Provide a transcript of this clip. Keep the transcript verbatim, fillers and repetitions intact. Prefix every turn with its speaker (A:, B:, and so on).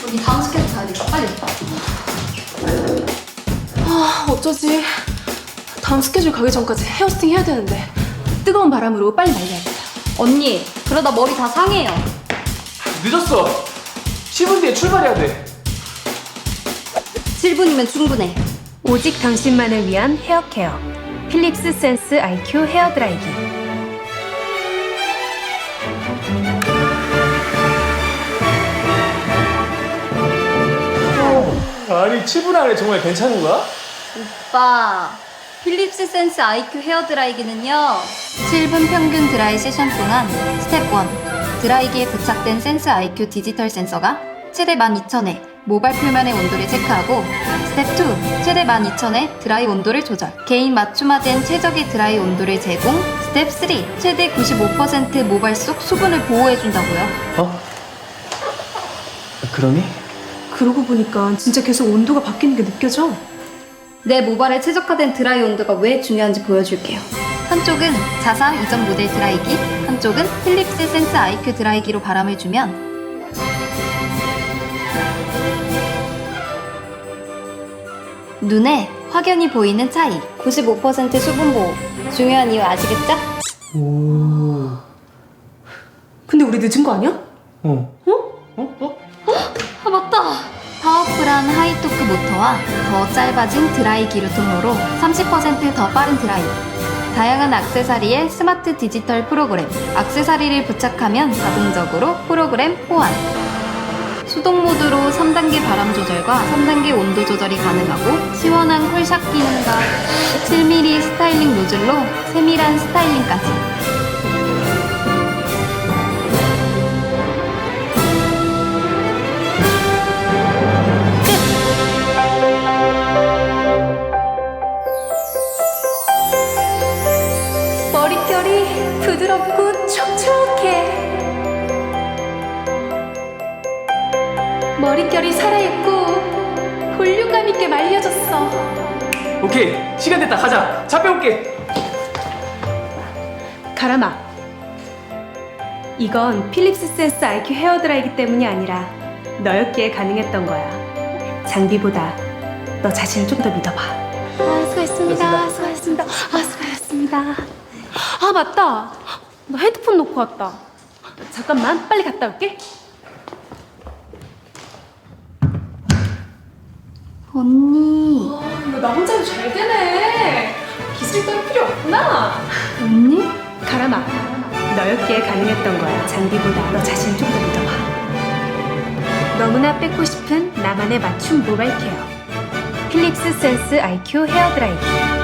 A: 우리 다음 스케줄 가야 되니까 빨리.
B: 아, 어쩌지. 다음 스케줄 가기 전까지 헤어스팅 해야 되는데 뜨거운 바람으로 빨리 말려야겠다.
A: 언니, 그러다 머리 다 상해요.
C: 늦었어. 십 분 뒤에 출발해야 돼.
A: 칠 분이면 충분해.
D: 오직 당신만을 위한 헤어케어 필립스 센스 아이큐 헤어 드라이기.
C: 아니 칠 분 안에 정말 괜찮은 거야?
A: 오빠, 필립스 센스 아이큐 헤어 드라이기는요, 칠 분 평균 드라이 세션 동안 스텝 일, 드라이기에 부착된 센스 아이큐 디지털 센서가 최대 만 이천 회 모발 표면의 온도를 체크하고, 스텝 이, 최대 만 이천 회 드라이 온도를 조절, 개인 맞춤화된 최적의 드라이 온도를 제공, 스텝 삼, 최대 구십오 퍼센트 모발 속 수분을 보호해준다고요.
C: 어? 그러니?
B: 그러고 보니까 진짜 계속 온도가 바뀌는 게 느껴져.
A: 내 모발에 최적화된 드라이 온도가 왜 중요한지 보여줄게요. 한쪽은 자사 이전 모델 드라이기, 한쪽은 필립스 센스 아이큐 드라이기로 바람을 주면 눈에 확연히 보이는 차이. 구십오 퍼센트 수분 보호. 중요한 이유 아시겠죠?
C: 오.
B: 근데 우리 늦은 거 아니야?
C: 어. 어? 어?
A: 아 맞다! 파워풀한 하이토크 모터와 더 짧아진 드라이 기류 통로로 삼십 퍼센트 더 빠른 드라이. 다양한 액세서리에 스마트 디지털 프로그램. 액세서리를 부착하면 자동적으로 프로그램 호환. 수동 모드로 삼 단계 바람 조절과 삼 단계 온도 조절이 가능하고, 시원한 쿨샷 기능과 칠 밀리미터 스타일링 노즐로 세밀한 스타일링까지.
B: 머릿결이 부드럽고 촉촉해. 머릿결이 살아있고 볼륨감 있게 말려졌어.
C: 오케이 시간 됐다 가자. 차 빼올게.
D: 가람아, 이건 필립스 센스 아이큐 헤어 드라이기 때문이 아니라 너였기에 가능했던 거야. 장비보다 너 자신을 좀 더 믿어봐.
B: 아, 수고했습니다. 수고했습니다. 아, 수고했습니다. 아, 맞다. 나 핸드폰 놓고 왔다. 잠깐만, 빨리 갔다 올게.
A: 언니,
B: 와, 이거 나 혼자 해도 잘 되네. 기술 따위 필요 없구나.
A: 언니?
D: 가람아, 너였기에 가능했던 거야. 장비보다 너 자신을 좀 더 믿어봐. 너무나 뺏고 싶은 나만의 맞춤 모발 케어 필립스 센스 아이큐 헤어 드라이기.